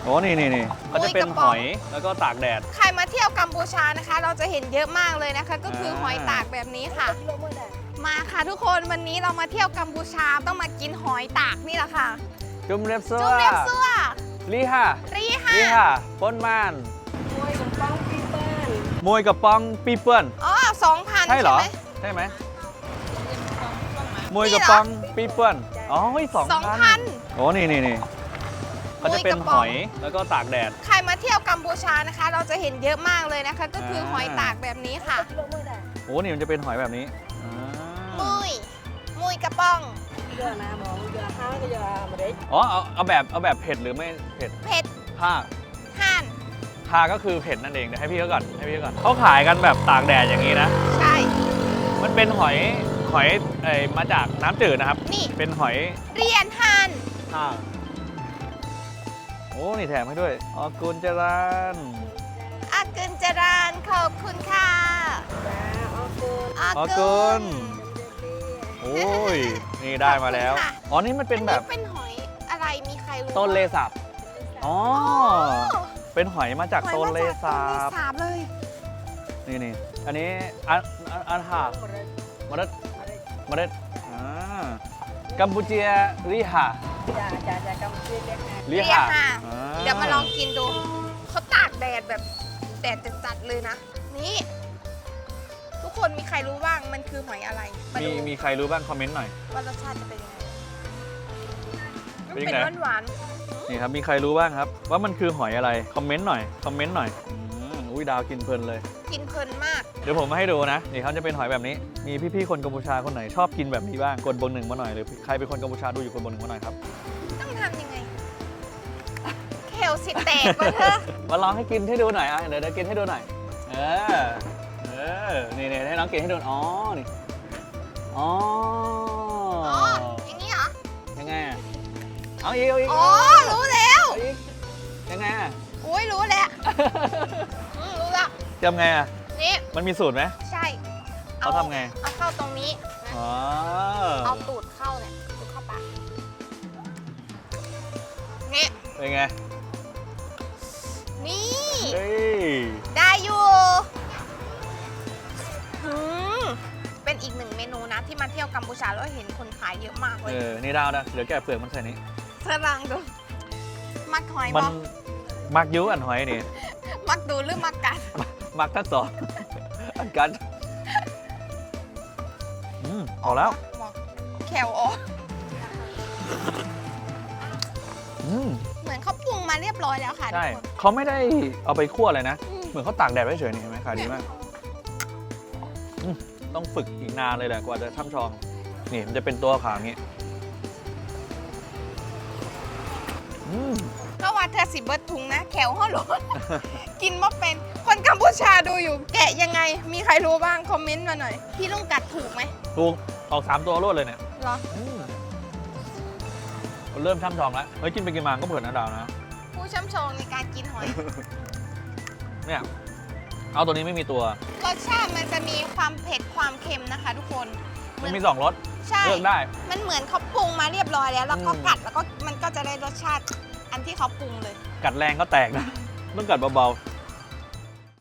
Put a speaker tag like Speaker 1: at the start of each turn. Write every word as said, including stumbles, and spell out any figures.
Speaker 1: โอ้นี่นี่นี่เขาจะเป็นหอยแล้วก็ตากแดด
Speaker 2: ใครมาเที่ยวกัมพูชานะคะ เราจะเห็นเยอะมากเลยนะคะ ก็คือหอยตากแบบนี้ค่ะ มาค่ะทุกคนวันนี้เรามาเที่ยวกัมพูชาต้องมากินหอยตากนี่แหละค่ะ
Speaker 1: จุ่มเรียบซัว
Speaker 2: จุ่มเรียบซัว
Speaker 1: ลีฮะ
Speaker 2: รี
Speaker 1: ลี
Speaker 2: ค่ะ
Speaker 1: ฮะป้นม่าน
Speaker 3: มวยกับป้องปีเปิ้ล
Speaker 1: มวยกับปองปีเปิ้ล
Speaker 2: อ๋อสองพัน
Speaker 1: ใช่เหรอ
Speaker 2: ไหม
Speaker 1: ใช่ไหมมวยกับปองปีเปิ้ลอ๋อสอง
Speaker 2: สอง
Speaker 1: พั
Speaker 2: พั
Speaker 1: น
Speaker 2: น
Speaker 1: โอ้นี่นี่นี่เขาจะเป็นหอยแล้วก็ตากแดด
Speaker 2: ใครมาเที่ยวกัมพูชานะคะ เราจะเห็นเยอะมากเลยนะคะ ก็คือหอยตากแบบนี้ค่ะ
Speaker 3: กิโลเมื่อไหร่
Speaker 1: โอ้นี่มันจะเป็นหอยแบบนี้อ่า
Speaker 2: มุยมุยกระป๋อง
Speaker 3: เยอะนะมองเยอะห้าก็เยอะมาได้
Speaker 1: อ๋อเอาเอาแบบเอาแบบเผ็ดหรือไม่เผ็ด
Speaker 2: เผ็ด
Speaker 1: ผ้า
Speaker 2: ห่าน
Speaker 1: ทาก็คือเผ็ดนั่นเองเดี๋ยวให้พี่เขาก่อนให้พี่เขาก่อนเขาขายกันแบบตากแดดอย่างนี้นะ
Speaker 2: ใช่
Speaker 1: มันเป็นหอยหอยเอ่ยมาจากน้ำจืดนะครับ
Speaker 2: นี่
Speaker 1: เป็นหอย
Speaker 2: เรียนห่าน
Speaker 1: ทากโอ้นี่แถมให้ด้วยออกุลจรัน
Speaker 2: อากุลจรานขอบคุณค่ะ
Speaker 3: จ้าออกูล
Speaker 2: อา
Speaker 1: ออกุ
Speaker 2: กุ
Speaker 1: ล
Speaker 2: ล
Speaker 1: โอ้ยนี่ได้มาแล้ว
Speaker 2: ขอบคุณค่ะ
Speaker 1: อ๋อนี่มันเป็นแบบ
Speaker 2: อัเป็นหอยอะไรมีใครรู้
Speaker 1: ต้นเล
Speaker 2: บ้าง
Speaker 1: สับอ๋อเป็นหอยมาจาก
Speaker 2: หอย
Speaker 1: ต้น
Speaker 2: มา
Speaker 1: เล
Speaker 2: จาก
Speaker 1: สั
Speaker 2: ต้นเล
Speaker 1: บ
Speaker 2: สาบเลย
Speaker 1: นี่นี่อันนี้อันอันอันหา
Speaker 3: มาได้
Speaker 1: มาเด็ด
Speaker 3: มาได้
Speaker 1: มาเด็ดอ่ากัมพูเชียริฮะ
Speaker 3: จ้าจ้าจ้ากำเรียกเรียกนะ
Speaker 1: ริ
Speaker 2: เรีย
Speaker 1: ฮะ
Speaker 2: กค่ะ
Speaker 1: อ่
Speaker 2: เดี๋ยวมาลองกินดู เขาตากแดดแบบแดดจัดๆเลยนะ นี่ ทุกคนมีใครรู้บ้างมันคือหอยอะไรมา
Speaker 1: มี
Speaker 2: ดู
Speaker 1: มีใครรู้บ้างคอมเมนต์หน่อย
Speaker 2: ว่ารสชาติจะเป็นยังไงมัน
Speaker 1: เป็นยั
Speaker 2: เป็
Speaker 1: ง
Speaker 2: น
Speaker 1: ไง
Speaker 2: หวาน
Speaker 1: นี่ครับมีใครรู้บ้างครับ ว่ามันคือหอยอะไรคอมเมนต์หน่อยคอมเมนต์หน่อยอืมอุ้ยดาวกินเพลินเลย
Speaker 2: ๆกินเพลินมาก
Speaker 1: เดี๋ยวผมมาให้ดูนะนี่เขาจะเป็นหอยแบบนี้ มีพี่ๆคนกัมพูชาคนไหนชอบกินแบบนี้บ้างกดบนหนึ่งมาหน่อยหรือใครเป็นคนกัมพูชาดูอยู่กดบนหนึ่งมาหน่อยครับ
Speaker 2: ต้องทำยังไง เคลสิแตกวะเธอ
Speaker 1: มาลองให้กินให้ดูหน่อยอ่ะเดี๋ยวเดี๋ยวกินให้ดูหน่อยเออเออนี่นี่ให้น้องกินให้ดูอ๋อนี่อ๋อ
Speaker 2: อ๋อ อย่างนี้เหรอ
Speaker 1: ยังไงอ่ะเอาอีกเอาอีก
Speaker 2: อ๋อ รู้แล้ว
Speaker 1: เอาอีกยังไงอ่ะ
Speaker 2: อุ้ยรู้แล้วอืมรู้แล้ว
Speaker 1: ทำไงอ่ะ
Speaker 2: นี่
Speaker 1: มันมีสูตรไหม
Speaker 2: ใช่
Speaker 1: เขาทำไง
Speaker 2: เอาเข้าตรงนี้นะ
Speaker 1: อ๋อ
Speaker 2: เอาตูดเข้าเนี่ยตูดเข้าปากนี่
Speaker 1: เป็นไง
Speaker 2: นี่
Speaker 1: เฮ้ย
Speaker 2: ได้อยู่อืมเป็นอีกหนึ่งเมนูนะ ที่มาเที่ยวกัมพูชาแล้วเห็นคนขายเยอะมากเล
Speaker 1: เอย อนี่ดาวนะเดี๋ยวแกะเปลือกมันใส่นี้
Speaker 2: สรังดู มักหอย
Speaker 1: มัน
Speaker 2: บอก
Speaker 1: มักยุอันหอยนี่
Speaker 2: มักดูหรือมักกัด
Speaker 1: มักทั้งสอง อันกันอืมพอแล้ว
Speaker 2: บอกแขวออก
Speaker 1: อืม
Speaker 2: เหมือนเขาปรุงมาเรียบร้อยแล้วค่ะทุ
Speaker 1: ใช่
Speaker 2: กคน
Speaker 1: เขาไม่ได้เอาไปคั่วเลยนะ
Speaker 2: อืม
Speaker 1: เหมือนเขาตากแดดไว้เฉยนี่เห็นไหมขายดีมากอืมต้องฝึกอีกนานเลยแหละกว่าจะช่ำชอง นี่มันจะเป็นตัวขาวอย่างงี้อืม
Speaker 2: ก็ว่าเธอสิเบิร์ดทุงนะ แขวห้อหล ด กินมาเป็น คนกัมพูชาดูอยู่ แกะยังไง มีใครรู้บ้าง คอมเมนต์มาหน่อย พี่ลุงกัดถูกไหม
Speaker 1: ถูกออกสามตัวรวดเลยเนี่ย
Speaker 2: เหรอ
Speaker 1: อืมเริ่มช่ำชองแล้วเฮ้ยกินไปกินมาก็เผื่อนะดาวนะ
Speaker 2: ผู้ช่ำชองในการกินหอย
Speaker 1: เนี่ยเอาตัวนี้ไม่มีตัว
Speaker 2: รสชาติมันจะมีความเผ็ดความเค็มนะคะ ทุกคน
Speaker 1: มันมีสองรส
Speaker 2: ใช่
Speaker 1: เลือกได้
Speaker 2: มันเหมือนเขาปรุงมาเรียบร้อยแล้ว แล้วก็
Speaker 1: อืม
Speaker 2: กัดแล้วก็มันก็จะได้รสชาติอันที่เขาปรุงเลย
Speaker 1: กัดแรงก็แตกนะ ต้องกัดเบาๆ